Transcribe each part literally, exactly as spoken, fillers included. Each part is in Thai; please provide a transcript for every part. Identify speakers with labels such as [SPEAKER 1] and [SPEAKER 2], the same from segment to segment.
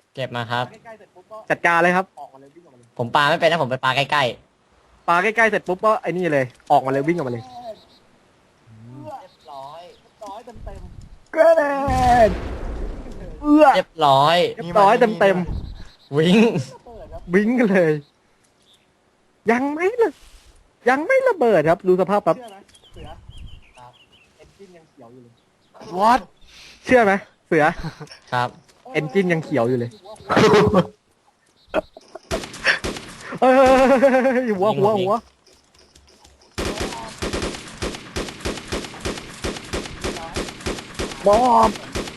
[SPEAKER 1] เก็บมาครับ
[SPEAKER 2] จัดการเลยครับ
[SPEAKER 1] ผมปาไม่เป็นนะผมไปปาใกล้
[SPEAKER 2] ปาใกล้ๆเสร็จปุ๊บก็ไอ้นี่เลยออกมาเลยวิ่งออกมาเลย
[SPEAKER 1] ๆเรียบร้อย
[SPEAKER 2] กระเด็นเอื้อ
[SPEAKER 1] เรียบร้อย
[SPEAKER 2] เรียบร้อยเต็มเต็ม
[SPEAKER 1] วิ่ง
[SPEAKER 2] ๆวิ่งกันเลย ยังไม่เลยยังไม่ระเบิดครับดูสภาพครับ
[SPEAKER 3] what
[SPEAKER 2] เชื่อไหมเสือ
[SPEAKER 1] ครับ
[SPEAKER 2] เอนจินยังเขียวอยู่เลยเฮ้ยหัวหัวหัวบอม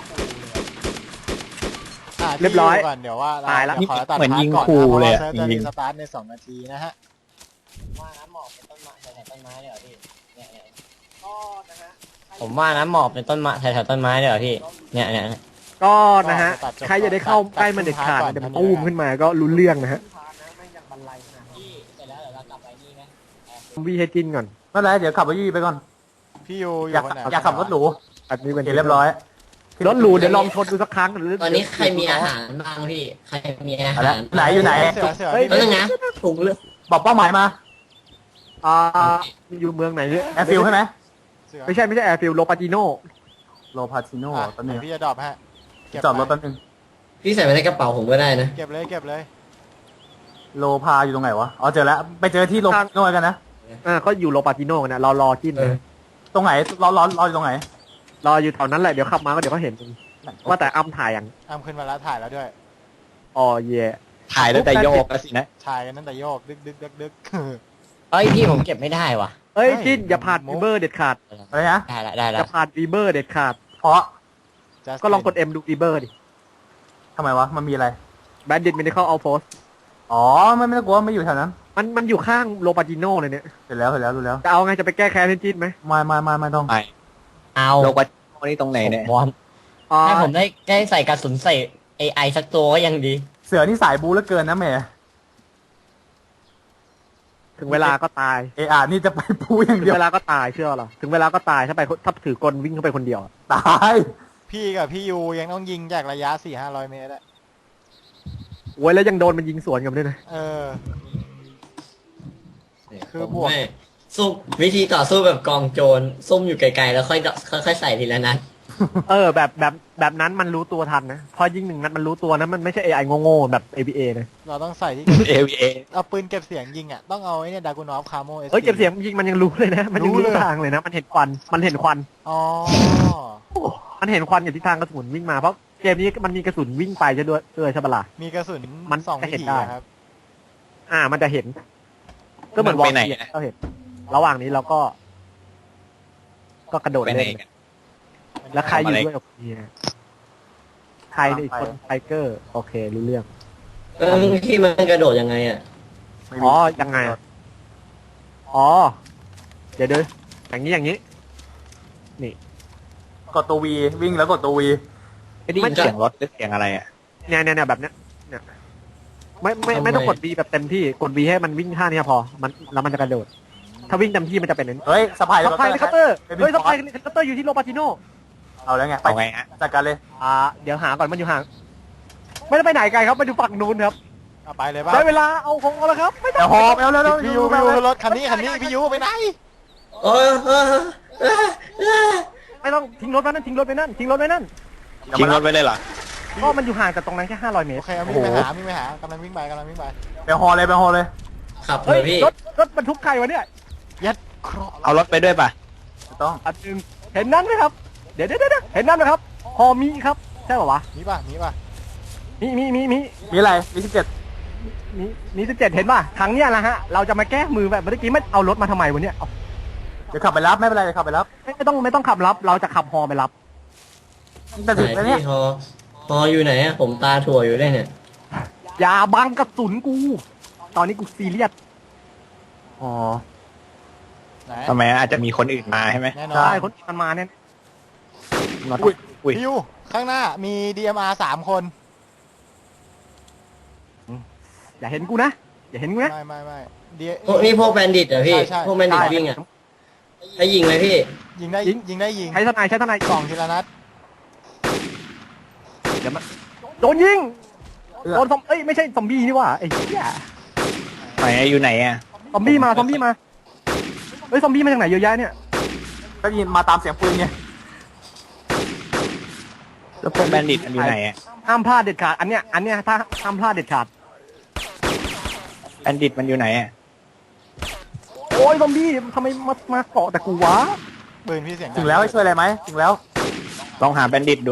[SPEAKER 3] อ่ะ
[SPEAKER 2] เรียบร้อย
[SPEAKER 3] ที่ก่อนเดี๋ยวว่า
[SPEAKER 2] ตายละ
[SPEAKER 3] เดี๋วขอตัด
[SPEAKER 4] เหมือนยิง
[SPEAKER 3] พาร์ท
[SPEAKER 4] ขู่
[SPEAKER 3] ก่อนนะ
[SPEAKER 4] เลยอะ
[SPEAKER 3] เพราะว่าเซิร์ฟจะ
[SPEAKER 4] จริ
[SPEAKER 3] รี
[SPEAKER 4] งๆ
[SPEAKER 3] สตาร์ทในสองนาทีนะฮะ
[SPEAKER 1] ว่าน้ำหมอกเป็นต้นไม้แถวต้นไม้เลยเหรอพี่เนี่ยเนี่ยผมว่าน้ำหมอกเป็นต้นไม้แถวๆต้นไม้เลยเหรอพี่เนี่ยเนี่ย
[SPEAKER 2] ก็นะฮะใครจะได้เข้าใกล้มันเด็ดขาดเดี๋ยวมันตู้มขึ้นมาก็รุนเรื่องนะฮะ
[SPEAKER 1] พี่เสร็จแล้วเดี๋ยวเรากลับไปนี่ไหม
[SPEAKER 2] วีให้จินก่อน
[SPEAKER 4] ไม่เป็นไรเดี๋ยวขับไปยี่ไปก่อน
[SPEAKER 3] พี่ยูอ
[SPEAKER 4] อยาก
[SPEAKER 3] ยู่คนไหน
[SPEAKER 4] อยากขับรถหรู
[SPEAKER 2] อันนี้เป็น
[SPEAKER 4] เห็นเรียบร้อย
[SPEAKER 2] รถหรูเดี๋ยวลองชนดูสักครั้ง
[SPEAKER 1] ตอนนี้ใครมีอาหารบ้างพี่ใครมีอา
[SPEAKER 4] เอา
[SPEAKER 1] หา
[SPEAKER 4] ละ
[SPEAKER 1] ร
[SPEAKER 4] ไหนอยู่ไหน
[SPEAKER 3] เสือเสือ
[SPEAKER 2] เฮ้ย
[SPEAKER 3] พี่
[SPEAKER 1] แล้วนะถุงเลือด
[SPEAKER 4] บอกเป้าหมายมา
[SPEAKER 2] อ่าอยู่เมืองไหนเนี่ย
[SPEAKER 4] แอร์ฟิลใช่ไหม
[SPEAKER 3] เสือ
[SPEAKER 2] ไม่ใช่ไม่ใช่แอร์ฟิลโลปาติโน
[SPEAKER 4] โลพาติโน่
[SPEAKER 3] อ่ะ
[SPEAKER 4] ตอนนี้
[SPEAKER 3] เดี๋ยวพี่จะดรอปฮะเก็บ
[SPEAKER 4] จอดรถ
[SPEAKER 3] ไป
[SPEAKER 4] แป๊บนึง
[SPEAKER 1] พี่ใส่ไว้ในกระเป๋าผมก็ได้นะ
[SPEAKER 3] เก็บเลยเก็บเลย
[SPEAKER 4] โลพาอยู่ตรงไหนวะอ๋อเจอแล้วไปเจอที่โลพาติโน่กันนะ
[SPEAKER 2] อ่าก็อยู่โลปาติโนกันนะเรารอจิน
[SPEAKER 1] เออ
[SPEAKER 4] ตรงไหนรอรอรออยู่ตรงไหน
[SPEAKER 2] รออยู่แถวนั้นแหละเดี๋ยวขับมาก็เดี๋ยวก็เห็นว่าแต่อ้ำถ่ายยัง
[SPEAKER 3] อ้ำขึ้นมาแล้วถ่ายแล้วด้วย
[SPEAKER 2] อ๋อเย่
[SPEAKER 4] ถ่ายแล้วแต่โยกสินะ
[SPEAKER 3] ถ่ายกันตั้งแต่โยกดึกดึกดึกดึก
[SPEAKER 1] เอ้ยพี่ผมเก็บไม่ได้ว่ะ
[SPEAKER 2] เอ้ย
[SPEAKER 3] เฮ้ย
[SPEAKER 2] จินอย่าผ่าน
[SPEAKER 3] มุ
[SPEAKER 2] วี
[SPEAKER 3] ก
[SPEAKER 2] เบอร์เด็ดขาด
[SPEAKER 4] อะไรนะ
[SPEAKER 1] ได้ละได้
[SPEAKER 2] อ
[SPEAKER 1] ละ
[SPEAKER 2] ย่าผ่านวีเบอร์เด็ดขาด
[SPEAKER 4] เพราะ
[SPEAKER 3] Justin
[SPEAKER 2] ก็ลองกด M ดูวีเบอร์ดิ
[SPEAKER 4] ทำไมวะมันมีอะไร
[SPEAKER 2] แบนดิตมินิคอลเอาโพส
[SPEAKER 4] อ๋อไม่ไม่ต้องกลัวไม่อยู่แถวนั้น
[SPEAKER 2] มันมันอยู่ข้างโลปาติโนเลยเนี่ย
[SPEAKER 4] เสร็จแล้วเสร็จแล้วรู้แล้ว
[SPEAKER 2] จะเอาไงจะไปแก้แค้นให้จินไหม
[SPEAKER 4] ไม่ไม่ไม่ไม่ต้อง
[SPEAKER 1] เอา
[SPEAKER 4] โลกวัดนี่ตรงไหนเนี่ย
[SPEAKER 1] ผมวอร์ม
[SPEAKER 2] อ๋อ
[SPEAKER 1] ให้ผมได้ได้ใส่กระสุนใส่เอไอสักตัวก็ยังดี
[SPEAKER 4] เสือนี่สายบูเหลือเกินนะแม่
[SPEAKER 2] ถึงเวลาก็ตาย
[SPEAKER 4] เออานี่จะไปบูอย่าง
[SPEAKER 2] ถึง
[SPEAKER 4] เดียว
[SPEAKER 2] เวลาก็ตายเชื่อเหรอถึงเวลาก็ตายถ้าไปถ้าถือกลวิ่งเข้าไปคนเดียว
[SPEAKER 4] ตาย
[SPEAKER 3] พี่กับพี่ยูยังต้องยิงจากระยะสี่ห้าร้อยเมตรอะ
[SPEAKER 2] โว้ยแล้วยังโดนมันยิงสวนกันด้วยนะ
[SPEAKER 3] เออ คือบวก
[SPEAKER 1] ไม่สู้วิธีต่อสู้แบบกองโจรซุ่มอยู่ไกลๆแล้วค่อยดค่อยๆใส่ทีละนัด
[SPEAKER 2] เออแบบแบบแบบนั้นมันรู้ตัวทันนะพอยิงหนึ่งนัดมันรู้ตัวนะมันไม่ใช่ เอ ไอ โง่ๆแบบ เอ บี เอ นะ
[SPEAKER 3] เราต้องใส่ที่
[SPEAKER 4] เอวีเอ
[SPEAKER 3] เอาปืนเก็บเสียงยิงอ่ะต้องเอาไอ้เนี่ยดากูนอฟคาโมเอส
[SPEAKER 2] เอ้ยเก็บเสียงยิงมันยังรู้เลยนะ มันยัง
[SPEAKER 3] รู้
[SPEAKER 2] รู้
[SPEAKER 3] เลย
[SPEAKER 2] ทางเลยนะ มันเห็นควันมันเห็นควัน
[SPEAKER 3] อ๋อ
[SPEAKER 2] มันเห็นควันอยู่ที่ทางกระสุนวิ่งมาเพราะเกมนี้มันมีกระสุนวิ่งไปจะด้วยด้วยใช่ปะล่ะ
[SPEAKER 3] มีกระสุน
[SPEAKER 2] มัน
[SPEAKER 3] สอง
[SPEAKER 2] จะ
[SPEAKER 3] วิ
[SPEAKER 2] เห็น
[SPEAKER 3] ถี
[SPEAKER 2] ได้
[SPEAKER 3] อะครับ
[SPEAKER 2] อ่า มันจะเห็น ก็เหมือนวอลเกียก็เห็น ระหว่างนี้เราก็ ก็กระโดดเล่นแล้วใครอยู่ด้วยกับเนี่ยใครอีกคนไทเกอร์โอเครู้เรื่อง
[SPEAKER 1] เออพี่มันกระโดดยังไงอ่ะ
[SPEAKER 2] อ๋อยังไงอะอ๋อเดี๋ยวเดี๋ยวอย่างนี้อย่างนี้
[SPEAKER 4] กดตัววีวิ่งแล้วกดตัววี
[SPEAKER 1] ไม่ได้ยินเสียงรถ
[SPEAKER 4] หรือเสียงอะไรอ่ะ
[SPEAKER 2] เนี่ยเนี่ยเนี่ยแบบเนี้ยเนี่ยไม่ไม่ไม่ต้องกด B แบบเต็มที่กด B ให้มันวิ่งท่านี้พอมันแล้วมันจะกระโดด ถ้าวิ่งเต็มที่มันจะเป็นอย่างนี้
[SPEAKER 4] เฮ้ยสะพาย
[SPEAKER 2] สไปเฮลิคอปเตอร์
[SPEAKER 4] เป็น
[SPEAKER 2] เฮ้ยสไป
[SPEAKER 4] ฟอส
[SPEAKER 2] เฮลิคอปเตอร์อยู่ที่โลปาติโน
[SPEAKER 4] เอาแล้วไงไปไงฮะจัดการเลย
[SPEAKER 2] อ่าเดี๋ยวหาก่อนมันอยู่ห่างไม่ได้ไปไหนไกลครับไปดูฝั่งนู้นครับ
[SPEAKER 3] เอาไปเลยป่ะ
[SPEAKER 2] ได้เวลาเอาของเอาแล้วครับไม่ต้
[SPEAKER 4] เดี๋
[SPEAKER 2] อ
[SPEAKER 4] ยว
[SPEAKER 2] ง
[SPEAKER 4] หอบเอาแล้วแล้ว
[SPEAKER 3] พี่ยูพี่ยูรถคันนี้คันนี้พี่ยูไปไหน
[SPEAKER 1] เออเออเออเออ
[SPEAKER 2] ไม่ต้องทิ้งรถไว้นั่นทิ้งรถไว้นั่นทิ้งรถไว้นั่น
[SPEAKER 4] ทิ้งรถไว้เลยเหรอ
[SPEAKER 2] ก็มันอยู่ห่างจากตรงนั้นแค่ห้าร้อยเมต
[SPEAKER 3] โอ
[SPEAKER 2] ร
[SPEAKER 3] เคเอาวิ่งไปหาวิ่งไปหากำลังวิ่งไปกำลังวิ่งไป
[SPEAKER 4] ไปหอเลยไปหอเลย
[SPEAKER 1] ขับเล
[SPEAKER 2] เฮ้ย
[SPEAKER 1] ยพี่
[SPEAKER 2] รถรถบรรทุกใครวะเนี่ย
[SPEAKER 3] ยัดเคราะห์
[SPEAKER 4] เอารถไปด้วยป่ะไม่ต้อง
[SPEAKER 2] อันหนึ่งเห็นนั่นไหมครับเดี๋ยวเดี๋ยวเดี๋ยวเห็นนั่นไหมครับฮอมีครับใช่ป่าวะ
[SPEAKER 3] มีป่ะมีป่ะ
[SPEAKER 2] มีมีมีมี
[SPEAKER 4] มีอะไรมีสิบเจ็ด
[SPEAKER 2] มีมีสิบเจ็ดเห็นป่ะครั้งเนี้ยนะฮะเราจะมาแก้มือแบบเมื่อกี้ไม่เอารถมาทำไมวะเนี่ยเอา
[SPEAKER 4] เดี๋ยวขับไปรับไม่เป็นไรเดี๋ยวขับไปรับ
[SPEAKER 2] ไม่ไม่ต้องไม่ต้องขับรับ เราจะขับฮอไปรับ
[SPEAKER 4] แต่
[SPEAKER 1] ไห
[SPEAKER 4] ถึง
[SPEAKER 1] น
[SPEAKER 4] แล้วเนี่ย
[SPEAKER 1] พี่ฮอฮออยู่ไหนอะผมตาถั่วอยู่ได้เนี่ย
[SPEAKER 2] อย่าบังกระสุนกู ตอนนี้กูซีเรียส
[SPEAKER 4] อ๋อ
[SPEAKER 3] ไหน
[SPEAKER 4] ทำไมอาจจะมีคนอื่นมาใช่ไหม
[SPEAKER 3] แน่นอน
[SPEAKER 2] ใช่คนมันมาเนี่ย
[SPEAKER 4] อุ้ยอุ้ย
[SPEAKER 3] พี่ยูข้างหน้ามี ดี เอ็ม อาร์ สามคน
[SPEAKER 2] อย่าเห็นกูนะอย่าเห็นกูนะ
[SPEAKER 3] ไม่ไม่ไม่ดี
[SPEAKER 1] พวกนี่พวกแบนดิตเหรอพี่
[SPEAKER 3] ใช่ใช่
[SPEAKER 1] พวกแบนดิตวิ่งอะให้ยิงเลยพี่
[SPEAKER 3] ยิงได้ยิงได้ยิง
[SPEAKER 2] ใช้ทนายใช้ทนาย
[SPEAKER 3] กล่องทีละนัด
[SPEAKER 2] เดี๋ยวมาโดนยิงโดนซอมเอ้ยไม่ใช่ซอมบี้นี่หว่าไอ้เหี้ย
[SPEAKER 5] ไหนอะอยู่ไหนอะ
[SPEAKER 2] ซอมบี้มาซอมบี้มาเฮ้ยซอมบี้มาจากไหนเยอะแยะเนี่ย
[SPEAKER 4] ก็ยินมาตามเสียงปืนไง
[SPEAKER 5] แล้วพวกแบนดิตมันอยู่ไหนอะ
[SPEAKER 2] ห้ามพลาดเด็ดขาดอันเนี้ยอันเนี้ยถ้าห้ามพลาดเด็ดขาด
[SPEAKER 5] แบนดิตมันอยู่ไหนอะ
[SPEAKER 2] โอ้ยซอมบี้ทำไมมามาเกาะแต่กูวะ
[SPEAKER 3] ปืนพี่เสียงดั
[SPEAKER 4] ถึงแล้วให้ช่วยอะไรไหมถึงแล้ว
[SPEAKER 5] ลองหาแบนดิตดู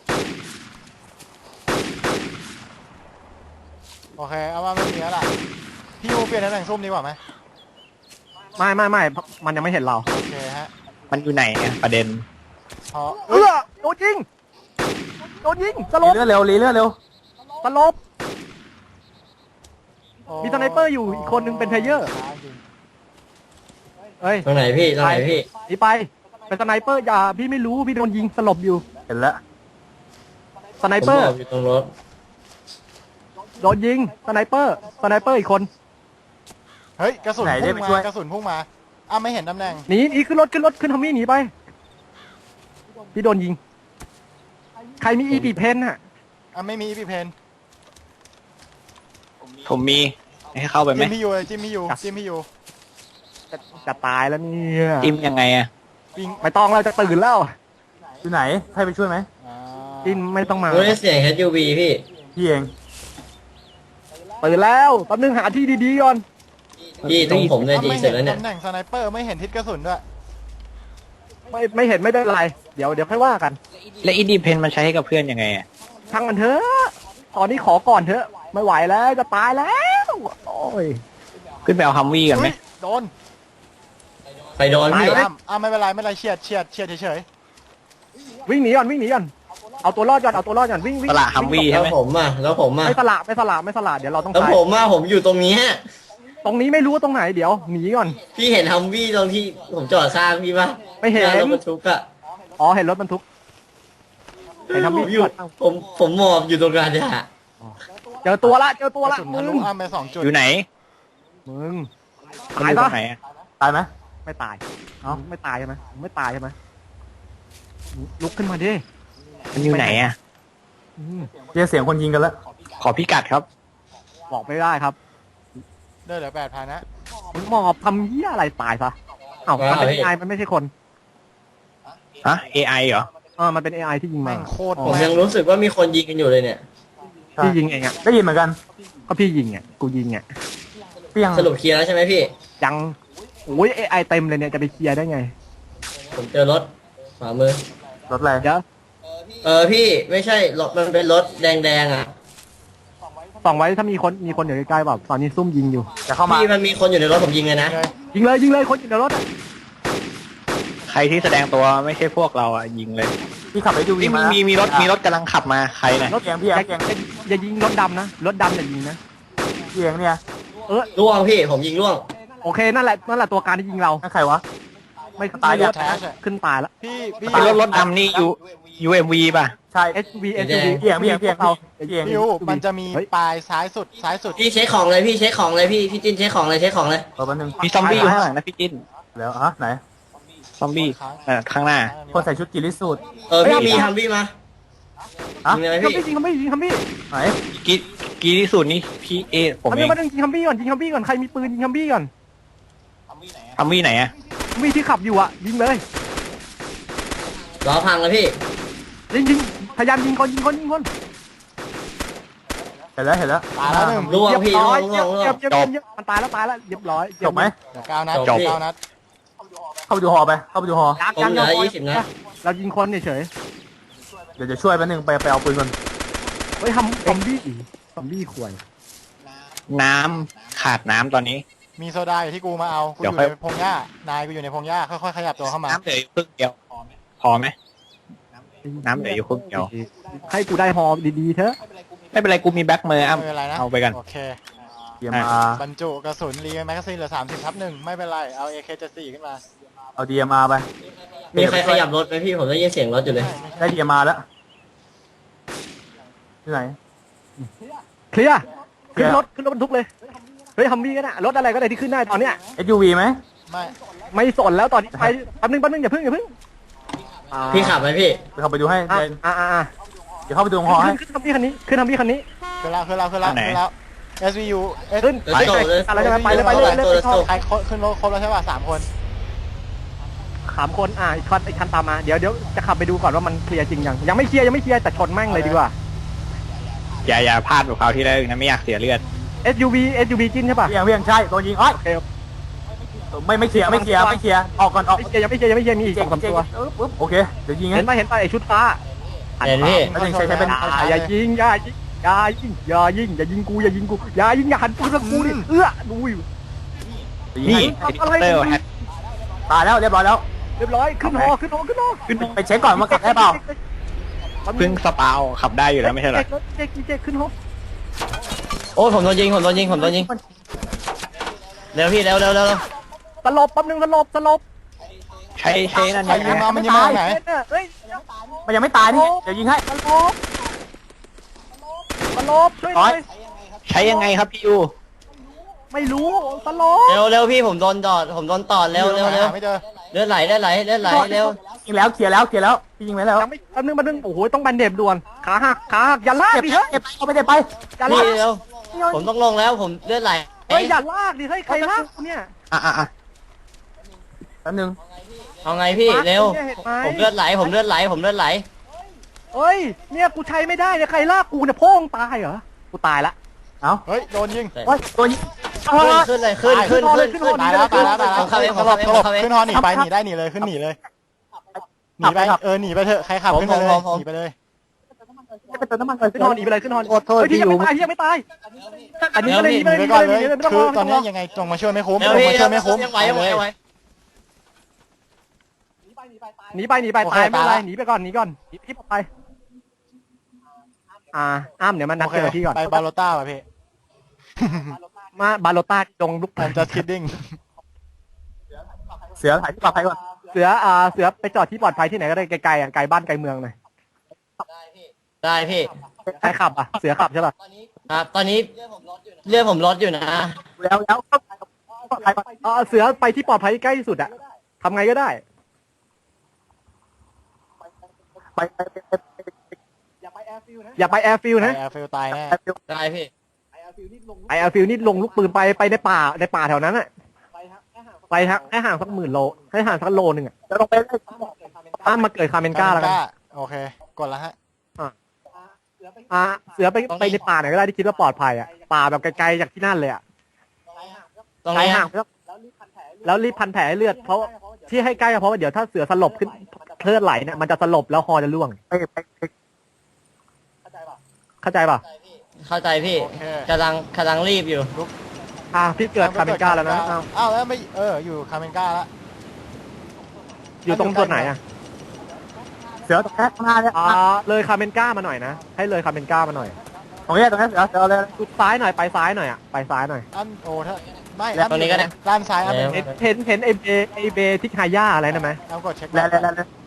[SPEAKER 3] โอเคเอาว่าไม่มีแล้วล่ะพี่ยูเปลี่ยนตำแหน่งซุ่มดีกว่าไหม
[SPEAKER 2] ไม่ไม่ไม่มันยังไม่เห็นเรา
[SPEAKER 3] โอเคฮะ
[SPEAKER 5] มันอยู่ไหนอะประเด็น
[SPEAKER 3] พอ
[SPEAKER 2] เออโดนยิงโดนยิงสล
[SPEAKER 4] รี
[SPEAKER 2] บ
[SPEAKER 4] เลือดเร็วรีเลือดเร็ว
[SPEAKER 2] สลบ
[SPEAKER 3] โอ้
[SPEAKER 2] มีสไนเปอร์อยู่อีกคนนึงเป็นเพลเยอร์
[SPEAKER 3] ช้าจริง
[SPEAKER 2] เอ้ย
[SPEAKER 1] ตรงไหนพี่ตรงไหนพี่
[SPEAKER 2] หนีไปเป็นสไนเปอร์อย่าพี่ไม่รู้พี่โดนยิงสลบอยู่
[SPEAKER 4] เห็นแล้ว
[SPEAKER 2] สไน
[SPEAKER 1] ผม
[SPEAKER 2] เปอร์
[SPEAKER 1] บอกอยู่ตรงรถ
[SPEAKER 2] โดนยิงสไนเปอร์สไนเปอร์อีกคน
[SPEAKER 3] เฮ้ยกระสุน
[SPEAKER 4] ไหนได้
[SPEAKER 3] พุ่ง
[SPEAKER 4] ไป
[SPEAKER 3] มา
[SPEAKER 4] ช่วย
[SPEAKER 3] กระสุนพุ่งมาอ้าวไม่เห็นตำแหน่ง
[SPEAKER 2] หนีหนีขึ้นรถขึ้นรถขึ้นทอมมี่หนีไปพี่โดนยิง ใครมีอีปีเพนอะ
[SPEAKER 3] อ้าวไม่มีพี่เพน
[SPEAKER 5] ผมมีให้เข้าไปไหม
[SPEAKER 3] จิมพี่ยูเลยจิมพี่ยูจิมพี่ยู
[SPEAKER 2] จะจะตายแล้วเนี่ย
[SPEAKER 5] จิ้มยังไงอะ
[SPEAKER 3] วิ่ง
[SPEAKER 2] ไม่ต้องเราจะตื่นแล้ว
[SPEAKER 4] อยู่ไหนให้ไปช่วยไหม
[SPEAKER 3] อ่า
[SPEAKER 2] จินไม่ต้องมา
[SPEAKER 1] รู้ได้เสียง เอส ยู วี พี่
[SPEAKER 4] พี่เอง
[SPEAKER 2] ตื่นแล้วแป๊บนึงหาที่ดีๆก่อน
[SPEAKER 1] พี่ตรงผมเนี่ย
[SPEAKER 3] อ้าว
[SPEAKER 1] ดี
[SPEAKER 3] ไม่
[SPEAKER 1] เสร็
[SPEAKER 3] เห็
[SPEAKER 1] จ
[SPEAKER 3] น
[SPEAKER 1] แล้วเนี่ย
[SPEAKER 3] ตำแหน่งสไนเปอร์ไม่เห็นทิศกระสุนด้วย
[SPEAKER 2] ไม่ไม่เห็นไม่เป็นไร เดี๋ยวเดี๋ยวค่อยว่ากัน
[SPEAKER 5] และอีดีเพนมันใช้ให้กับเพื่อนยังไงอะ
[SPEAKER 2] ช่างมันเถอะตอนนี้ขอก่อนเถอะ ไม่ไหวแล้วจะตายแล้วโอ้ย
[SPEAKER 5] ขึ้นไปเอาฮัมวี่กันไหม
[SPEAKER 3] เฮ้ยโดน
[SPEAKER 1] ไปโดนพี่
[SPEAKER 3] อ้าวอ้าวไม่เป็นไรไม่เป็นไรเฉียดเฉียดเฉียดเฉย
[SPEAKER 2] วิ่งหนีก่อนวิ่งหนีก่อนเอาตัวรอดก่อนเอาตัวรอดก่อนวิ่งวิ่ง
[SPEAKER 5] ตลาดฮัมวี่
[SPEAKER 1] แล้
[SPEAKER 5] ใช่
[SPEAKER 1] ว
[SPEAKER 5] ไหม
[SPEAKER 1] ผมอ่ะแล้วผมอ่ะ
[SPEAKER 2] ไม่สละไม่สละไม่สละเดี๋ยวเราต้อง
[SPEAKER 1] แล้ว
[SPEAKER 2] ตาย
[SPEAKER 1] ผมอ่ะผมอยู่ตรงนี้ฮะ
[SPEAKER 2] ตรงนี้ไม่รู้ว่าตรงไหนเดี๋ยวหนีก่อน
[SPEAKER 1] พี่เห็นฮัมวี่ตรงที่ผมจอดข้างพี่ปะ
[SPEAKER 2] ไม่เห็น
[SPEAKER 1] น้ารถบรรทุกอะ
[SPEAKER 2] อ๋อเห็นรถบรรทุก เห็นฮัม
[SPEAKER 1] ผ
[SPEAKER 2] วี่
[SPEAKER 1] มอยู่ผมผมหมอบอยู่ตรงกลางเนี่ย
[SPEAKER 2] เจอตัวละเจอ
[SPEAKER 3] ๆ
[SPEAKER 2] ตัว
[SPEAKER 3] กระ
[SPEAKER 2] ละ
[SPEAKER 3] สุน
[SPEAKER 2] มึ
[SPEAKER 3] ทะลุ
[SPEAKER 2] ง
[SPEAKER 3] อ้ามไปสองจุด
[SPEAKER 5] อยู่ไหน
[SPEAKER 2] มึง
[SPEAKER 5] มัน
[SPEAKER 2] ตา
[SPEAKER 5] อย ยู่ตร
[SPEAKER 2] ปะ
[SPEAKER 5] งไหนอะ
[SPEAKER 4] ตายไหม
[SPEAKER 2] ไม่ตาย
[SPEAKER 4] เอ้า
[SPEAKER 2] ไม่ตายใช่ไหมไม่ตายใช่ไหมลุกขึ้นมาดิ
[SPEAKER 5] มันอยู่ไหนอะ
[SPEAKER 2] อืม
[SPEAKER 4] เรียกเสียงคนยิงกันแล้ว
[SPEAKER 5] ขอพิกัดครับ
[SPEAKER 2] บอกไม่ได้ครับ
[SPEAKER 3] เดินเหลือแปดพันนะ
[SPEAKER 2] มึงหมอบทำเหี้ยอะไรตายซะเอ้ามันเป็น เอ ไอ มันไม่ใช่คน
[SPEAKER 5] ฮะ เอ ไอ เหรอ
[SPEAKER 2] เออมันเป็น เอ ไอ ที่ยิงมา
[SPEAKER 3] แม่งโคตร
[SPEAKER 1] ผม
[SPEAKER 3] แม่
[SPEAKER 1] ยังรู้สึกว่ามีคนยิงกันอยู่เลยเนี่ย
[SPEAKER 4] ใช่
[SPEAKER 2] พี่ยิงเองอ่ะ
[SPEAKER 4] ได้ยินเหมือนกัน
[SPEAKER 2] ก็พี่ยิงอ่ะกูยิงอ่ะ
[SPEAKER 4] เปี้ยง
[SPEAKER 1] สรุปเคลียร์แล้วใช่ไหมพี่
[SPEAKER 2] ยังโอ้ย เอ ไอ เต็มเลยเนี่ยจะไปเคลียร์ได้ไง
[SPEAKER 1] ผมเจอรถขวามือ
[SPEAKER 4] รถอะไร
[SPEAKER 2] เดี๋ยว
[SPEAKER 1] เออพี่ไม่ใช่รถมันเป็นรถแดงๆอ่ะ
[SPEAKER 2] ส่องไว้ถ้ามีคนมีคนอยู่ใกล้ๆแบบตอนนี้ซุ่มยิงอยู่
[SPEAKER 4] จะเข้ามา
[SPEAKER 1] พี่มันมีคนอยู่ในรถผมยิงเลยนะ
[SPEAKER 3] เลย
[SPEAKER 2] ยิงเลยยิงเลยคนอยู่ในรถอะ
[SPEAKER 5] ใครที่แสดงตัวไม่ใช่พวกเราอะยิงเลย
[SPEAKER 4] พี่ขับไปดู
[SPEAKER 5] มี
[SPEAKER 4] มา
[SPEAKER 5] มีมีรถมีรถกำลังขับมาใครเนี่ย
[SPEAKER 2] รถ
[SPEAKER 4] เพียงพี่
[SPEAKER 2] อย่า
[SPEAKER 4] เพียง
[SPEAKER 2] อย่าอย่ายิงรถดำนะรถดำอย่ายิงนะ
[SPEAKER 4] พี่เองเนี่ย
[SPEAKER 2] เออ
[SPEAKER 1] ล่วงพี่ผมยิงล่วง
[SPEAKER 2] โอเคนั่นแหละนั่นแหละตัวการที่ยิงเรา
[SPEAKER 4] นั่นใครวะ
[SPEAKER 2] ไม่
[SPEAKER 4] ตาย
[SPEAKER 2] ไม่
[SPEAKER 4] ยั
[SPEAKER 2] รู้
[SPEAKER 4] ง
[SPEAKER 3] แท้ใช่
[SPEAKER 2] ขึ้นตายแล้ว
[SPEAKER 3] พี่พี่
[SPEAKER 5] เป็นรถรถดำนี่ยูยูเอ็มวีป่ะ
[SPEAKER 4] ใช่
[SPEAKER 2] เอส วี เอส
[SPEAKER 1] แด
[SPEAKER 2] วี
[SPEAKER 1] ง
[SPEAKER 4] เพียงเพียงเพียง
[SPEAKER 2] เรา
[SPEAKER 4] เพียง
[SPEAKER 3] พี่ยูมันจะมี
[SPEAKER 2] เฮ้ย
[SPEAKER 3] ปลายซ้ายสุดซ้ายสุด
[SPEAKER 1] พี่เช็คของเลยพี่เช็คของเลยพี่พี่จินเช็คของเลยเช็คของเลย
[SPEAKER 4] เออแป๊บนึง
[SPEAKER 5] มีซอมบี้อยู่ข้างหลังนะพี่จิ้น
[SPEAKER 4] แล้วฮะไหน
[SPEAKER 5] ซอมบี้เอ่อข้างหน้า
[SPEAKER 4] คนใส่ชุดกิริสูตร
[SPEAKER 1] เออพี่มีฮัมวี่มา
[SPEAKER 4] ฮะ
[SPEAKER 1] ยิงเลย
[SPEAKER 2] ยิง
[SPEAKER 1] พี่
[SPEAKER 2] คัมบี้ยิงคัมบี้ยิงคัมบี้
[SPEAKER 4] ไหน
[SPEAKER 5] กีกีที่สุดนี่พี่เอผม
[SPEAKER 2] คัม
[SPEAKER 5] เอ
[SPEAKER 2] บี้
[SPEAKER 5] ง
[SPEAKER 2] มาดึงยิงคัมบี้ก่อนยิงคัมบี้ก่อนใครมีปืนยิงคัมบี้ก่อน
[SPEAKER 5] ฮัมวี่ไหนอะ
[SPEAKER 2] คัมบี้ที่ขับอยู่อะยิงเลย
[SPEAKER 1] ล้อพังเลยพี่
[SPEAKER 2] ยิงยิงพยายามยิงคนยิงคนยิงคน
[SPEAKER 4] เห็นแล้วเห็นแล้ว
[SPEAKER 3] ตายแล้วหนึ่ง
[SPEAKER 1] ล่วง
[SPEAKER 2] เรียบ
[SPEAKER 1] พี่
[SPEAKER 2] ร้
[SPEAKER 1] ล่
[SPEAKER 2] อ
[SPEAKER 1] วย งล่วงล่ว
[SPEAKER 2] เรีย
[SPEAKER 1] ง
[SPEAKER 2] บเรียบเรียบเรียบมันตายแล้วตายแล้วเรียบร้อย
[SPEAKER 4] จบไหม
[SPEAKER 3] เหลือเก้านัด
[SPEAKER 1] จบ
[SPEAKER 3] เก้านัด
[SPEAKER 4] เข้าไปดูฮอไป เข้าไปดูฮอ
[SPEAKER 2] ยัก
[SPEAKER 1] ผม
[SPEAKER 2] ยัง
[SPEAKER 1] เหลือ
[SPEAKER 2] ยัง
[SPEAKER 1] ยี่สิบนัด
[SPEAKER 2] เรายิงคนเฉย
[SPEAKER 4] เดี๋ยวจะช่วยแป๊บนึงไปไปเอาปืนก่อน
[SPEAKER 2] ๆเฮ้ยทำซอมบี้ซอมบี้ควร
[SPEAKER 5] น้ำขาดน้ำตอนนี้
[SPEAKER 3] มีโซดาอยู่ที่กูมาเอากูอ
[SPEAKER 5] เดี๋ยว
[SPEAKER 3] ยู่
[SPEAKER 5] ค่อย
[SPEAKER 3] ในพงหญ้านายกูอยู่ในพงหญ้าค่อยๆขยับตัวเข้ามา
[SPEAKER 5] น้ำเหลืออยู่ครึ่งเดียวพอไหมน้ำเหลืออยู่ครึ่งเดียว
[SPEAKER 2] ให้กูได้ฮอดีๆเถอะ
[SPEAKER 5] ไม่เป็นไรกูมีแบ็คเมอร์อ้ำ
[SPEAKER 3] ไม่เป็นไรนะ
[SPEAKER 5] เอาไปกัน
[SPEAKER 3] โอเค
[SPEAKER 4] เดียมา
[SPEAKER 3] บรรจุกระสุนรีแมกกาซีนเหลือสามสิบทับหนึ่งไม่เป็นไรเอาเอเคเจ็ดสี่ขึ้นมา
[SPEAKER 4] เอาดีมาไป
[SPEAKER 1] มีใครขยับรถไหมพี่ผมได้ยินเสียงรถอยู่เลย
[SPEAKER 4] ได้ดีมาแล้วที่ไหน
[SPEAKER 2] เคลียร์
[SPEAKER 4] เคลี
[SPEAKER 2] ขึ้
[SPEAKER 4] ยร์
[SPEAKER 2] นรถขึ้นรถบรรทุกเลยเฮ้ยฮัมวี่ก็ได้รถอะไรก็ได้ที่ขึ้นได้ตอนเนี้ย
[SPEAKER 4] เอสยูวีไหม
[SPEAKER 3] ไม่
[SPEAKER 2] ไม่สนแล้วตอนนี้ไปแป๊บนึงแป๊บนึงอย่าเพิ่งอย่าเพิ่งอ่า
[SPEAKER 1] พี่ขับไหมพี่
[SPEAKER 4] ไปเข้าไปดูให้
[SPEAKER 2] อ่า
[SPEAKER 4] เดี๋ยว
[SPEAKER 2] อ่าอ่า
[SPEAKER 4] เดี๋ยวเข้าไปดูฮอให้
[SPEAKER 2] ขึ้นขึ้นฮัมวี่คันนี้ขึ้นฮัมวี่คันนี้
[SPEAKER 3] ขึ้นแล้วขึ้นแล้วขึ้นแล้ว
[SPEAKER 5] อันไหน
[SPEAKER 3] ขึ้นแล้ว เอส วี ยู เอส
[SPEAKER 2] ขึ้น
[SPEAKER 1] ไป
[SPEAKER 2] อะไรจะไปเลยไปเลยไปเลยไปเลย
[SPEAKER 3] ใครขึ้นรถครบแล้วใช่ป่ะสามคน
[SPEAKER 2] สามคนอ่ะอีกคันอีกคันตามมาเดี๋ยวเดี๋ยวจะขับไปดูก่อนว่ามันเคลียร์จริงยังยังไม่เคลียร์ยังไม่เคลียร์แต่ชนแม่งเลยดีกว่า
[SPEAKER 5] อย่าอย่าพลาดแบบคราวที่แล้วอีกนะไม่อยากเสียเลือด
[SPEAKER 2] เอส ยู วี เอส ยู วี จิ้นใช่ป่ะ
[SPEAKER 4] เวียงเวียงใช่ตัวยิงอ้อย
[SPEAKER 2] โอเค
[SPEAKER 4] ไม่ไม่เคลียร์ไม่เคลียร์ไม่เคลียร์ออกก่อนออก
[SPEAKER 2] ไม่เคลียร์ยังไม่เคลียร์ยังไม่เคลียร์มีอีกสองสามตัว
[SPEAKER 4] เออปุ๊บโอเคเดี๋ยวยิง
[SPEAKER 2] เห็น
[SPEAKER 4] ให้
[SPEAKER 2] ป่ะเห็นป่ะไอ้ชุดฟ้า
[SPEAKER 1] เห็นพี่
[SPEAKER 4] แล้วยิงใช้ใช้เป็น
[SPEAKER 2] อย่าอย่ายิงอย่ายิงอย่ายิงอย่ายิงอย่ายิงกูอย่ายิงกูอย่ายิงอย่าหันปืนมากูดิเอื้อดูอยู่
[SPEAKER 5] นี่
[SPEAKER 2] ทำอะไร
[SPEAKER 5] เตอร์แฮต
[SPEAKER 4] ตายแล้วเรียบร้อยแล้ว
[SPEAKER 2] เรียบร้อยขึ้นหอขึ้นหอขึ้นหอ
[SPEAKER 5] ขึ้น
[SPEAKER 4] ไปเช็คก่อนว่าขับได้เปล่า
[SPEAKER 5] เพิ่งสปาวขับได้อยู่แล้วไม่ใช่เหรอ
[SPEAKER 2] เจ๊กเจ๊กขึ้นหอ
[SPEAKER 1] โอ้ยผมโดนยิงผมโดนยิงผมโดนยิงเร็วพี่เร็วเร็วเร็วเร็ว
[SPEAKER 2] สลบแป๊บนึงสลบสลบ
[SPEAKER 5] ใช้ใช้นั่น
[SPEAKER 3] ใคร
[SPEAKER 5] ยัง
[SPEAKER 3] ยิง
[SPEAKER 5] ไง
[SPEAKER 3] มามันยิงมาจากไหน
[SPEAKER 2] เฮ้ย
[SPEAKER 4] มันยังไม่ตายนี่เดี๋ยวยิงให้
[SPEAKER 2] สลบสลบช่วยหน่อย
[SPEAKER 5] ใช้ยังไงครับพี่ยู
[SPEAKER 2] ไม่รู้สลบ
[SPEAKER 1] เร็วเร็วพี่ผมโดนตอดผมโดนตอดเร็วเร็วเร็ว
[SPEAKER 3] หาไม่เจอ
[SPEAKER 1] เลือดไหลเลือดไหลเลือดไหลเร็ว
[SPEAKER 4] ยิงแล้วเคลียร์แล้วเคลียร์แล้วพี่ยิงไว้แล้ว
[SPEAKER 2] ยังไม่แป๊บนึงแป๊บนึงโอ้โหต้องบันเดบด่วนขาหักขาหักอย่าลาก
[SPEAKER 4] เก็บ
[SPEAKER 2] ดิเฮ้ย
[SPEAKER 4] เก็บเอาไปเด็ไป
[SPEAKER 2] อย่า
[SPEAKER 1] พี่
[SPEAKER 2] ลาก
[SPEAKER 1] เร็วผมต้องลงแล้วผมเลือดไหล
[SPEAKER 2] เฮ้ยอย่าลากดิเฮ้ยใครลากกูเนี่ย
[SPEAKER 5] อ่ะอ่ะอ่ะ
[SPEAKER 4] แป๊บนึง
[SPEAKER 1] เอาไงพี่เร็ว
[SPEAKER 2] นี่ยห็นไห
[SPEAKER 1] ผมเลือดไหลผมเลือดไหลผมเลือดไหล
[SPEAKER 2] เฮ้ยเนี่ยกูใช้ไม่ได้เนี่ยใครลากกูเนี่ยโพ่งตายเหรอกูตายละ
[SPEAKER 4] เอา
[SPEAKER 3] เฮ้ยโดนยิง
[SPEAKER 4] โอ้ยตัวยิง
[SPEAKER 1] ขึ้นขึ้นเลยขึ้นขึ้นขึ้นขึ้น
[SPEAKER 3] ตายแล้วตายแล้วตายแล้ว
[SPEAKER 1] ผมเข้าเอง
[SPEAKER 3] ส
[SPEAKER 1] ผม
[SPEAKER 3] ล
[SPEAKER 1] เข้า
[SPEAKER 3] บ
[SPEAKER 1] เอง
[SPEAKER 3] ส
[SPEAKER 1] ผมเข้าเอง
[SPEAKER 3] ลบขึ้นฮอหนีไปหนีได้หนีเลยขึ้นหนีเลยหนีไปเออหนีไปเถอะใครขับขึ้นไปเลยหนีไปเลย
[SPEAKER 4] จะไปเติมน้ำมันก่อน
[SPEAKER 2] ขึ้นหอหนีไปเลยขึ้นหอ
[SPEAKER 4] โทษโทษ
[SPEAKER 2] เฮ้ยพี่
[SPEAKER 4] ที่อ
[SPEAKER 2] ยัง
[SPEAKER 4] ยู่
[SPEAKER 2] ไม่ตายพี่ยังไม่ตายอันนี้
[SPEAKER 1] เร็ว
[SPEAKER 2] ก็เลย
[SPEAKER 1] พี่
[SPEAKER 2] หนี
[SPEAKER 3] หนี
[SPEAKER 2] ไป
[SPEAKER 3] ไป
[SPEAKER 2] เลย
[SPEAKER 3] ก่อนเลย
[SPEAKER 2] หนีไปเลยไม่ต้อง
[SPEAKER 3] คื
[SPEAKER 2] ร
[SPEAKER 3] อ
[SPEAKER 2] อ
[SPEAKER 3] ตอน
[SPEAKER 2] ไม่
[SPEAKER 3] นี้
[SPEAKER 2] ต้องรอ
[SPEAKER 3] ยังไงตรงมาช่วยไม่คุ้ม
[SPEAKER 1] เร็
[SPEAKER 3] ต
[SPEAKER 1] ว
[SPEAKER 3] รง
[SPEAKER 1] พี่
[SPEAKER 3] มาช่วยไม่คุ้ม
[SPEAKER 1] ยังไหวยังไหวยังไหว
[SPEAKER 2] หนีไปหนีไปตายไม่เป็นไรหนีไปก่อนหนีก่อนหนีที่ไปอ่าอ้ามเดี๋ยวมันนัด
[SPEAKER 3] โอเค
[SPEAKER 2] เจอที่ก่อน
[SPEAKER 3] ไปบาโลต้าป่ะพี่
[SPEAKER 2] มาบาโลต้าตรงลูก
[SPEAKER 3] ผมจะคิดดิ้ง
[SPEAKER 4] เสือถ่ายที่ปลอดภัยก่อน
[SPEAKER 2] เสืออ่าเสือไปจอดที่ปลอดภัยที่ไหนก็ได้ไกลๆอ่ะไกลบ้านไกลเมืองหน่อย
[SPEAKER 1] ได้พี่
[SPEAKER 2] ใครขับอ่ะเสือขับใช่ป่ะ
[SPEAKER 1] ครับตอนนี้เลือดผมลดอยู่นะ
[SPEAKER 4] แล้วแล้วปลอดภัยก่อน
[SPEAKER 2] อ่าเสือไปที่ปลอดภัยที่ใกล้ที่สุดอ่ะทำไงก็ได้
[SPEAKER 4] ไปไปไปไปไป
[SPEAKER 2] อย่าไปแอร์ฟิลนะ
[SPEAKER 3] แอร์ฟิลตายแน่
[SPEAKER 1] ได้พี่
[SPEAKER 2] ไอแอร์ฟิลนี่ลงลูกปืนไปไปในป่าในป่าแถวนั้นอ่ะไปฮะให้ห่างสักหมื่นโลให้ห่างสักโลนึงอ่ะ
[SPEAKER 4] จะลงไปเลย
[SPEAKER 2] อ้ามมาเกิดคาเมนก้าแล้วกัน
[SPEAKER 3] โอเคกดแล้วฮะ
[SPEAKER 2] อ่าเสือไปไปในป่าไหนก็ได้ที่คิดว่าปลอดภัยอ่ะป่าแบบไกลๆจากที่นั่นเลยอ่ะ
[SPEAKER 1] ตรง
[SPEAKER 2] ไกล
[SPEAKER 1] นี้
[SPEAKER 2] ห่างแล้วแล้วรีบพันแผลให้เลือดเพราะที่ให้ใกล้ก็เพราะว่าเดี๋ยวถ้าเสือสลบขึ้นเลือดไหลเนี่ยมันจะสลบแล้วคอจะร่วง
[SPEAKER 4] ไปไปไป
[SPEAKER 2] เข้าใจป่ะ
[SPEAKER 1] เข้าใจพี่
[SPEAKER 3] โอเค
[SPEAKER 1] กำลังกำลังรีบอยู่
[SPEAKER 2] อ่าพี่เกิดคาเมนก้าแล้วนะอ้าว
[SPEAKER 3] อ้าวแล้วไม่เอออยู่คาเมนก้าแล้ว
[SPEAKER 2] อยู่ตรงส่วนไหนอ่ะ
[SPEAKER 4] เสือตรงนี้ข้างหน้าเนี่ย
[SPEAKER 2] อ่าเลยคาเมนก้ามาหน่อยนะให้เลยคาเมนก้ามาหน่อย
[SPEAKER 4] ตรงนี้ตรงนี้เสือเสือเลย
[SPEAKER 2] จุดซ้ายหน่อยไปซ้ายหน่อยอ่ะไปซ้ายหน่อย
[SPEAKER 3] อันโอ้ถ้าไม่
[SPEAKER 1] ตรงนี้ก็ได้
[SPEAKER 3] ด้านซ้ายอันเป็น
[SPEAKER 2] เห็นเห็นเห็นไอเบไอเบทิคาย่าอะไรนะไหม
[SPEAKER 3] เอากดเช็ค
[SPEAKER 4] แล้วแล้วแล้ว
[SPEAKER 3] นะ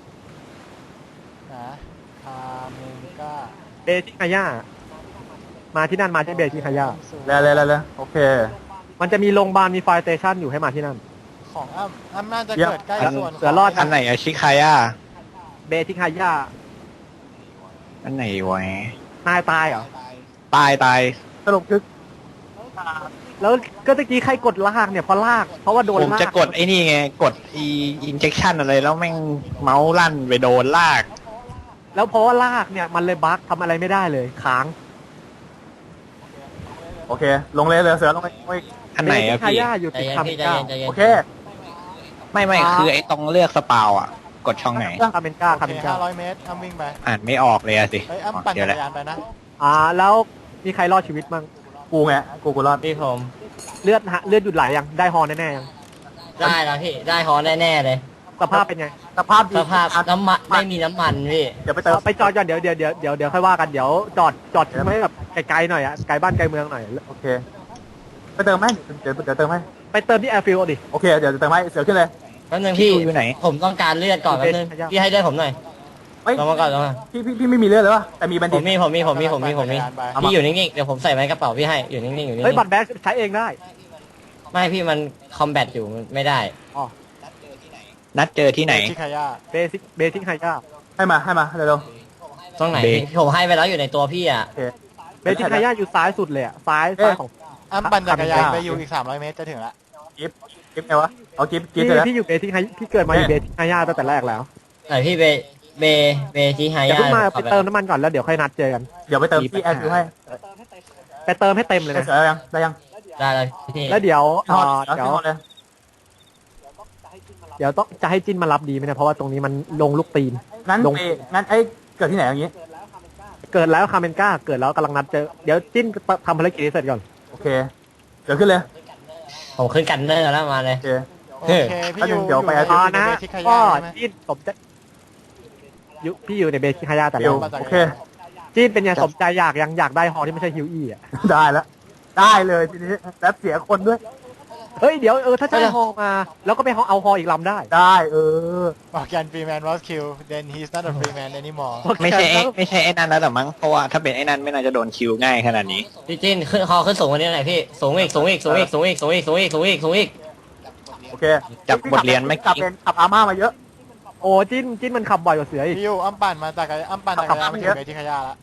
[SPEAKER 3] คาเมนก้า
[SPEAKER 2] เบทิคาย่ามาที่นั่นมาที่เบทิคาย่า
[SPEAKER 4] แล้วแล้วแล้วโอเค
[SPEAKER 2] มันจะมีโรงพยาบาลมีไฟสเตชันอยู่ให้มาที่นั่น
[SPEAKER 3] ของอ้ำอ้ำน่าจะ
[SPEAKER 4] เยี่ยม
[SPEAKER 3] เกิดใกล้ส่วน
[SPEAKER 2] เสือรอด
[SPEAKER 5] อันไหนอะชิคายา
[SPEAKER 2] เบทิคาย่า
[SPEAKER 5] อันไหนวะ
[SPEAKER 2] นายตายเหรอ
[SPEAKER 5] ตายตาย
[SPEAKER 4] สรุปคือ
[SPEAKER 2] แล้วก็ตะกี้ใครกดลากเนี่ยเพราะลากเพราะว่าโดน
[SPEAKER 5] ผม
[SPEAKER 2] ลาก
[SPEAKER 5] จะกดไอ้นี่ไงกดอีอินเจคชั่นอะไรแล้วแม่งเมาส์ลั่นไปโดนลาก
[SPEAKER 2] แล้วเพราะว่าลากเนี่ยมันเลยบั๊กทำอะไรไม่ได้เลยค้าง
[SPEAKER 4] โอเค ลงเลยเลยเสือลงไป
[SPEAKER 5] อันไหนอะ
[SPEAKER 2] เบทิคา
[SPEAKER 5] พี่
[SPEAKER 2] ย่าอยู่
[SPEAKER 1] ใจ
[SPEAKER 2] ติด
[SPEAKER 1] เย็น
[SPEAKER 2] คาเม
[SPEAKER 1] พี่
[SPEAKER 2] น
[SPEAKER 1] ใจ
[SPEAKER 2] ก้า
[SPEAKER 1] เย็นใจเย็น
[SPEAKER 4] โอเค
[SPEAKER 5] ไม่ไม่คือไอ้ตรงเลือกสปาวอะกดช่องไหน
[SPEAKER 2] คาเมนก้า
[SPEAKER 3] โอ
[SPEAKER 2] คา
[SPEAKER 3] เค
[SPEAKER 2] เมนก้า
[SPEAKER 3] ห้าร้อยเมตรอ้ำวิ่งไป
[SPEAKER 5] อ่านไม่ออกเลยอะสิ
[SPEAKER 3] เฮ้ยอ้ำปั่น
[SPEAKER 5] เดี๋ย
[SPEAKER 3] จั
[SPEAKER 5] ว
[SPEAKER 3] ก
[SPEAKER 5] แหละ
[SPEAKER 3] รยานไปนะ
[SPEAKER 2] อ่าแล้วมีใครรอดชีวิตบ้าง
[SPEAKER 4] กูไงกูกูรอด
[SPEAKER 1] พี่ผม
[SPEAKER 2] เลือดฮะเลือดหยุดไหลยังได้ฮอแน่ๆยัง
[SPEAKER 1] ได้แล้วพี่ได้ฮอแน่ๆเลย
[SPEAKER 2] สภาพเป็นไง
[SPEAKER 4] สภาพดี
[SPEAKER 1] สภาพน้ำมันไม่มีน้ำมันพี่
[SPEAKER 4] เดี๋ยวไปเติม
[SPEAKER 2] ไปจอดก่อนเดี๋ยวเดี๋ยวเดี๋ยวเดี๋ยวเดี๋ยวค่อยว่ากันเดี๋ยวจอดจอดทิ้งไว้แบบไกลๆหน่อยอะไกลบ้านไกลเมืองหน่อย
[SPEAKER 4] โอเค ไปเติมไหมเดี๋ยวเดี๋ยวเติมให้
[SPEAKER 2] ไปเติมที่แอร์ฟิลดิ
[SPEAKER 4] โอเค เดี๋ยวจะเติมให้เสือขึ้นเลย
[SPEAKER 1] แป๊บนึงพี่
[SPEAKER 5] อยู่ไหน
[SPEAKER 1] ผมต้องการเลือดก่อนแป๊บนึงพี่ให้เลือดผมหน่อย
[SPEAKER 4] เฮ้ย
[SPEAKER 1] ลงมาก่อนลงมา
[SPEAKER 4] พี่พี่พี่ไม่มีเลือดเลยวะแต่มีบัน
[SPEAKER 1] ผ
[SPEAKER 4] ดิ
[SPEAKER 1] มมีผมมีผมมีผมมีผมมี
[SPEAKER 3] ปั่นจักรยานไป
[SPEAKER 4] เอามา
[SPEAKER 1] พี่อยู่นิ่งๆเดี๋ยวผมใส่ไว้ในกระเป๋าพี่ให้อยู่นิ่งๆอยู่นิ่
[SPEAKER 2] เฮ้ย
[SPEAKER 1] ง
[SPEAKER 2] บัตรแบ็คใช้เองได้
[SPEAKER 1] ๆไม่พี่มันคอมแบทอยู่มันไม่ได้
[SPEAKER 5] นัดเจอที่ไหน
[SPEAKER 3] ชิคายา
[SPEAKER 2] เบสิกเบสิกไฮก้า
[SPEAKER 4] ให้มาให้มาเร็ว
[SPEAKER 1] ตรงไหน
[SPEAKER 5] เบรก
[SPEAKER 1] พี่ผมให้ไปแล้วอยู่ในตัวพี่อ่ะ
[SPEAKER 4] ๆโอเค
[SPEAKER 2] เบจิคายาอยู่ซ้ายสุดเลยอะซ้ายซ้ายของ
[SPEAKER 3] อ้ำปั่นจักรยาน
[SPEAKER 2] ขับ
[SPEAKER 3] ไปอยู่อีกสามร้อยเมตรจะถึงละ
[SPEAKER 4] กิฟกิฟไงวะเอากิฟกิฟ
[SPEAKER 2] พี่
[SPEAKER 4] เจอแล้ว
[SPEAKER 2] พี่อยู่เบจิคายพี่เกิดมาอยู่เบจิคายาตั้งแต่แรกแล้ว
[SPEAKER 1] ไหนพี่เบเบเบที่ไฮ
[SPEAKER 2] เดี๋ยวย
[SPEAKER 1] า
[SPEAKER 2] เพิ่งมาไปเติมน้ำมันก่อนแล้วเดี๋ยวค่อยนัดเจอกัน
[SPEAKER 4] เดี๋ยวไปเติมที่แอร์คิวให้
[SPEAKER 2] ไปเติมให้เต็มเลย
[SPEAKER 4] ได้
[SPEAKER 2] นะ
[SPEAKER 4] เสร็จแล้วยังได้ยัง
[SPEAKER 1] ได้เลยพี่
[SPEAKER 2] แล้วเดี๋ยว
[SPEAKER 4] ทอด
[SPEAKER 2] เอ่อ
[SPEAKER 4] แล้ว
[SPEAKER 2] เดี๋ยว
[SPEAKER 4] ทอดเลย
[SPEAKER 2] เดี๋ยวต้องจะให้จินมารับดีไหมเนี่ยเพราะว่าตรงนี้มันลงลูกตีน
[SPEAKER 4] งั้น
[SPEAKER 2] ลง
[SPEAKER 4] ไปงั้นไอ้เกิดที่ไหนอย่างงี้
[SPEAKER 2] เกิดแล้วคาเมนก้าเกิดแล้วกำลังนัดเจอเดี๋ยวจิ้นทำภารกิจให้เสร็จก่อน
[SPEAKER 4] โอเคเดี๋ยวขึ้นเลย
[SPEAKER 1] ผมขึ้นกันเนอร์แล้วมาเลย
[SPEAKER 4] โอเค
[SPEAKER 3] โอเคพี่อยู่
[SPEAKER 4] เดี๋ยวไป
[SPEAKER 3] อยู่
[SPEAKER 2] อ่า
[SPEAKER 3] ใน
[SPEAKER 2] นะ
[SPEAKER 3] เบสิคา
[SPEAKER 2] ก็
[SPEAKER 3] ยาใช่ไหม
[SPEAKER 2] จิ้นสมใจอยู่พี่อยู่ในเบสิคายาแต่
[SPEAKER 4] เดี๋
[SPEAKER 2] แล้
[SPEAKER 4] ยว
[SPEAKER 2] ว
[SPEAKER 4] โอเค
[SPEAKER 2] จิ้นเป็นไงสมใจอยากยังอยากได้ฮอที่ไม่ใช่ฮิวอี้อ่ะ
[SPEAKER 4] ได้แล้วได้เลยทีนี้แล้วเสียคนด้วย
[SPEAKER 2] เฮ้ยเดี๋ยวเออถ้าจะได้ฮอมา แล้วก็ไปฮอเอาฮออีกลำได้
[SPEAKER 4] ได้เออ
[SPEAKER 3] บอกกัน free man was killed then he's not a free man anymore
[SPEAKER 5] ไม่ใช่ไอ้ไม่ใช่ไอ้นั่นแล้วหรอมั้งเพราะว่าถ้าเป็นไอ้นั่นไม่น่าจะโดนคิวง่ายขนาดนี้
[SPEAKER 1] พี่จินขึ้นคอขึ้นสูงกว่านี้หน่อยพี่สูงอีกสูงอีกสูงอีกสูงอีกสูงอีกสูงอีกสูงอีกสูงอีก
[SPEAKER 4] โอเค
[SPEAKER 5] จากบทเรียนไม่
[SPEAKER 4] กลับเป็นขับอาม่ามาเยอะ
[SPEAKER 2] โอ้จิ้นจิ้นมันขับบ่อยกว่าเสืออีก
[SPEAKER 3] พี่อยู่อ้ำปั่นมาจากรอ้ำปั่นจักรยานมาถึงเบสิคายาละ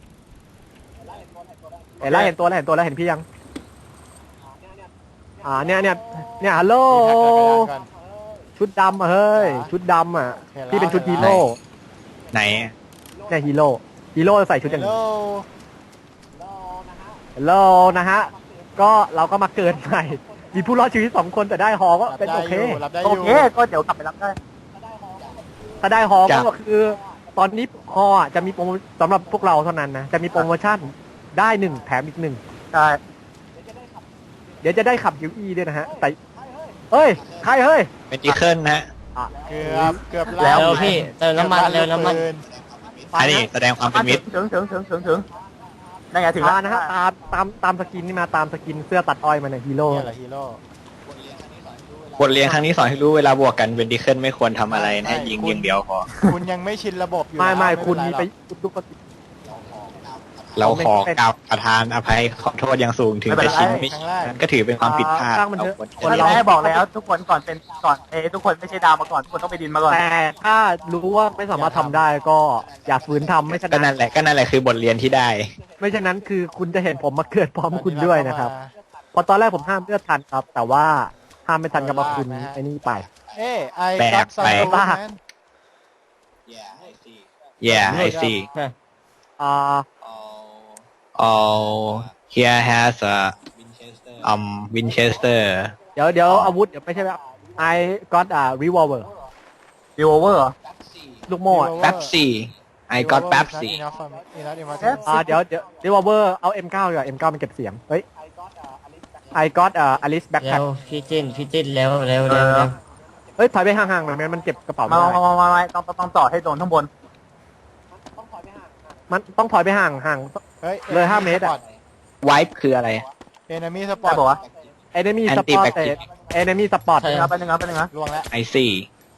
[SPEAKER 2] เห็นแล้วเห็นตัวแล้วเห็นตัวแล้วเห็นพี่ยังอ่าเนี่ยเนี่ยเนี่ยฮัลโหล
[SPEAKER 3] พี่แท็กจักรยานก่อน
[SPEAKER 2] ชุดดำอ่ะเฮ้ยชุดดำอ่ะ
[SPEAKER 3] เห็นแล้ว
[SPEAKER 2] พี่เป็นชุดฮีโร่
[SPEAKER 5] ไหน
[SPEAKER 2] เนี่ยฮีโร่ฮีโร่ใส่ชุดอย่างนี้
[SPEAKER 3] Hello
[SPEAKER 2] ฮัลโหลนะฮะก็เราก็มาเกิดใหม่มีผู้รอดชีวิตสองคนแต่ได้ฮอก็
[SPEAKER 3] รับ
[SPEAKER 2] เป็น
[SPEAKER 3] ได้
[SPEAKER 2] โอ
[SPEAKER 3] อ
[SPEAKER 2] เค
[SPEAKER 3] ยู่รับได้อ
[SPEAKER 4] โอยู่ เคก็เดี๋ยวกลับไปรับได้
[SPEAKER 2] ถ้าได้ฮอ
[SPEAKER 5] จ้ะ
[SPEAKER 2] ก็คือ ตอนนี้ฮออ่ะจะมีโปรโมสำหรับพวกเราเท่านั้นนะจะมีโปรโมชั่นได้หนึ่งแถมอีกหนึ่ง
[SPEAKER 4] ใช่
[SPEAKER 2] เดี๋ยวจะได้ขับยูอีด้วยนะฮะแต่เฮ้ยใครเฮ้ย
[SPEAKER 5] เป็นดีเคิลนะ
[SPEAKER 2] อ่ะ
[SPEAKER 3] เกือบเกือบ
[SPEAKER 1] เร็วพี่เติมน้ำมันเร็วน้ำมัน
[SPEAKER 5] อันนี้แสดงความเป็นมิตร
[SPEAKER 4] ถึงถึงถึงถึงถึงนั่นไงถึง
[SPEAKER 2] มา
[SPEAKER 4] แล้ว
[SPEAKER 2] นะฮะตามตามตามสกินนี่มาตามสกินเสื้อตัดอ้อยมาเนี่ยฮีโร่
[SPEAKER 3] นี่แหละฮีโร่
[SPEAKER 5] บทเรียนครั้งนี้สอนให้รู้เวลาบวกกันเป็นดีเคิลไม่ควรทำอะไรนะยิงอย่างเดียวพอ
[SPEAKER 3] คุณยังไม่ชินระบบอยู่
[SPEAKER 2] ไม่ไม่
[SPEAKER 3] แล้ว
[SPEAKER 2] คุณ
[SPEAKER 3] เป็
[SPEAKER 2] มี
[SPEAKER 3] น
[SPEAKER 2] ไป
[SPEAKER 3] ไรหรอก
[SPEAKER 2] ทุกปกติ
[SPEAKER 5] เราขอกล่าวประทานอภัยขอโทษอย่างสูงถึงจะชินไม่
[SPEAKER 3] ครั้งแรก
[SPEAKER 5] ก็ถือเป็นความผิดพลาด
[SPEAKER 2] สร้างมันเถอะ
[SPEAKER 5] เราควร
[SPEAKER 4] คน
[SPEAKER 5] จะ
[SPEAKER 4] แรกบอกแล้วทุกคนก่อนเป็นก่อนเอทุกคนไม่ใช่ดาวมาก่อนทุกคนต้องไปดินมาก่อน
[SPEAKER 2] แต่ถ้ารู้ว่าไม่สามารถทำได้ก็อย่าฝืนทำไม่ฉะ
[SPEAKER 5] ก็
[SPEAKER 2] นั้
[SPEAKER 5] นั่
[SPEAKER 2] น
[SPEAKER 5] นแหละก็นั่นแหละคือบทเรียนที่ได้
[SPEAKER 2] ไม่ฉะนั้นคือคุณจะเห็นผมมาเกิดพร้อมคุณด้วยนะครับเพอตอนแรกผมห้ามเลือดทันครับ แต่ว่าห้ามไม่ทันกับมาคุณไอ้นี่ไป
[SPEAKER 3] เอ้ไอ
[SPEAKER 5] แปล
[SPEAKER 3] ซั
[SPEAKER 5] ก
[SPEAKER 3] บซั
[SPEAKER 5] ไป
[SPEAKER 3] บ
[SPEAKER 2] ลาก
[SPEAKER 5] yeah I see
[SPEAKER 2] อ่า
[SPEAKER 5] oh here has a um Winchester
[SPEAKER 2] เดี๋ยวเดี๋ยวอาวุธเดี๋ยวไม่ใช่แบบ I got a revolver
[SPEAKER 4] ดีโอเวอร์
[SPEAKER 2] ลูกโม่อะ
[SPEAKER 5] Pepsi I got Pepsi
[SPEAKER 2] อ่าเดี๋ยวเดี๋ยว revolver เอา เอ็ม เก้า ดีกว่า เอ็ม เก้า มันเก็บเสียงเฮ้ย I got a Alice
[SPEAKER 1] เร็
[SPEAKER 2] backpack
[SPEAKER 1] วพี่จินพี่จินเร็วเร็วเร็วเร็ว
[SPEAKER 2] เฮ้ยถอยไปห่างๆหน่อยแม่งั้นมันเก็บกระเป๋า
[SPEAKER 4] มา
[SPEAKER 2] ไม่ได้
[SPEAKER 4] มามามามาต้องต้องจอดให้โดนข้างบน
[SPEAKER 2] มันต้องถอยไปห่างห่าง เลยห้าเมตรอะ
[SPEAKER 5] Wipe คืออะไร
[SPEAKER 3] เอนมี่สปอ
[SPEAKER 4] ได้
[SPEAKER 3] ร์ต
[SPEAKER 4] บอกว่า
[SPEAKER 2] enemy
[SPEAKER 5] Anti
[SPEAKER 2] spot
[SPEAKER 5] backpack
[SPEAKER 2] enemy spot
[SPEAKER 1] ใช่
[SPEAKER 4] ครับเป็นยังไงเป็นยังไง
[SPEAKER 3] ลวงแล้ว
[SPEAKER 5] I see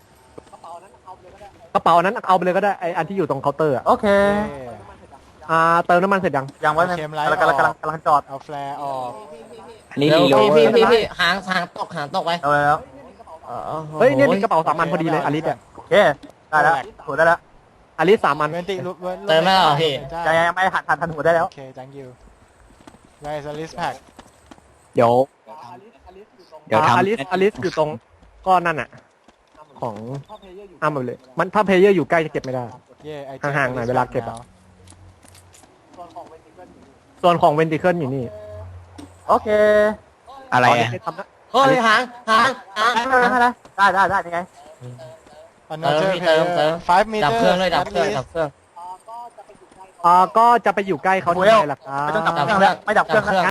[SPEAKER 2] กระเป๋านั้นเอาไปเลยก็ได้ไออันที่อยู่ตรงเคาน์เตอร์อะ
[SPEAKER 4] โอเค
[SPEAKER 2] อ่าเติมน้ำมันเสร็จยัง
[SPEAKER 4] ยังไว้นะกำลังกำลังกำลังจอด
[SPEAKER 3] เอาแฟร์ออก
[SPEAKER 5] อันนี้
[SPEAKER 1] เร็ว
[SPEAKER 5] รีโหล
[SPEAKER 1] พี่
[SPEAKER 5] เวอ
[SPEAKER 1] พี่
[SPEAKER 5] ร์
[SPEAKER 1] พี่พี่หางหางตกหางตกไว้
[SPEAKER 4] เอาแล้ว
[SPEAKER 2] เฮ้ยเนี่ยมีกระเป๋าสามอันพอดีเลยอลิสอะ
[SPEAKER 4] โอเคได้แล้วถูกได้แล้ว
[SPEAKER 2] อลิสสามอัน
[SPEAKER 3] เวนติลุ
[SPEAKER 1] เติมไม่หรอพี่
[SPEAKER 4] ยังยังไม่หันหันทันหัวได้แล้ว
[SPEAKER 3] โอเค thank you guys a list pack
[SPEAKER 2] เดี๋ยว
[SPEAKER 5] เดี๋ยว
[SPEAKER 2] อ่า
[SPEAKER 5] ทำ
[SPEAKER 2] อลิสอลิสอยู่ตรงก้อนนั่นอะของอ้ามไปเลย มันถ้าเพลเยอร์อยู่ใกล้จะเก็บไม่ได้
[SPEAKER 3] เย่ไอ
[SPEAKER 2] ห่างๆหน่อยเวลาเก็บอะ ส่วนของเวนติเคิลอยู่นี่
[SPEAKER 4] โอเค
[SPEAKER 5] อะไรอะ
[SPEAKER 2] เดี๋ยวทำนะ
[SPEAKER 1] เฮ้ยหางหางหาง
[SPEAKER 4] ได้ได้ได้ได้ยังไง
[SPEAKER 3] อันนั้นเจอ
[SPEAKER 1] เติมเติม
[SPEAKER 3] five meter
[SPEAKER 1] ดับเครื่องเลยดับเครื่องดับเครื่อง
[SPEAKER 2] อ่าก็จะไปอยู่ใกล้เขาทำไมล่ะครับ
[SPEAKER 4] ไม่ต้องดับเครื่องแล้วไม่ดับเครื่องแล้ว